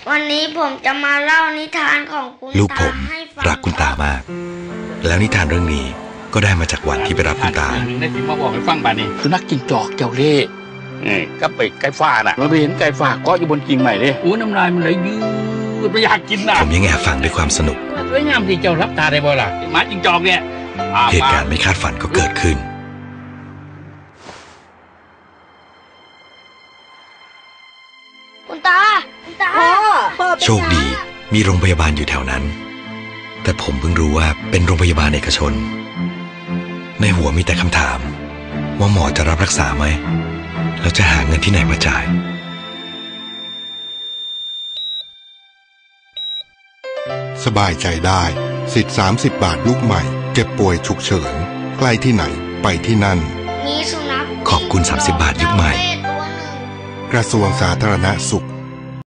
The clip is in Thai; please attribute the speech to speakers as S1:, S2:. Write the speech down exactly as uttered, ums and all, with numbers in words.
S1: วันนี้ผมจะมาเล่านิทานของคุณตา
S2: ลูกผม
S1: ให้ฟัง
S2: รักคุณตามาก แล้วนิทานเรื่องนี้ก็ได้มาจากวันที่ไปรับคุณตา
S3: ได้ที่มาบอกให้ฟังบ้านนี้
S4: สุนัขจิ้งจอกเจ้าเล่ห์ก็ไปไก่ฟ้าน่ะเราไปเห็นไก่ฟ้าเกาะอยู่บนกิ่งใหม่เลยโอ้น้ำลายมันไหลยืดไปอยากกินน่ะ
S2: ผมยังแอบฟังด้วยความสนุก
S4: สวยงามที่เจ้ารับตาได้บ่ล่ะหมาจิ้งจอกเนี่ย
S2: เหตุการณ์ไม่คาดฝันก็เกิดขึ้น
S1: คุณตาคุณตา
S2: โชคดีมีโรงพยาบาลอยู่แถวนั้น แต่ผมเพิ่งรู้ว่าเป็นโรงพยาบาลเอกชน ในหัวมีแต่คำถามว่าหมอจะรับรักษาไหมแล้วจะหาเงินที่ไหนมาจ่าย
S5: สบายใจได้สิทธิ์สามสิบบาทลูกใหม่เจ็บป่วยฉุกเฉินใกล้ที่ไหนไปที่นั่น
S1: มีสุนัข
S2: ขอบคุณสามสิบบาทยุคใหม่
S1: ตัวหนึ่ง
S5: กระทรวงสาธารณสุข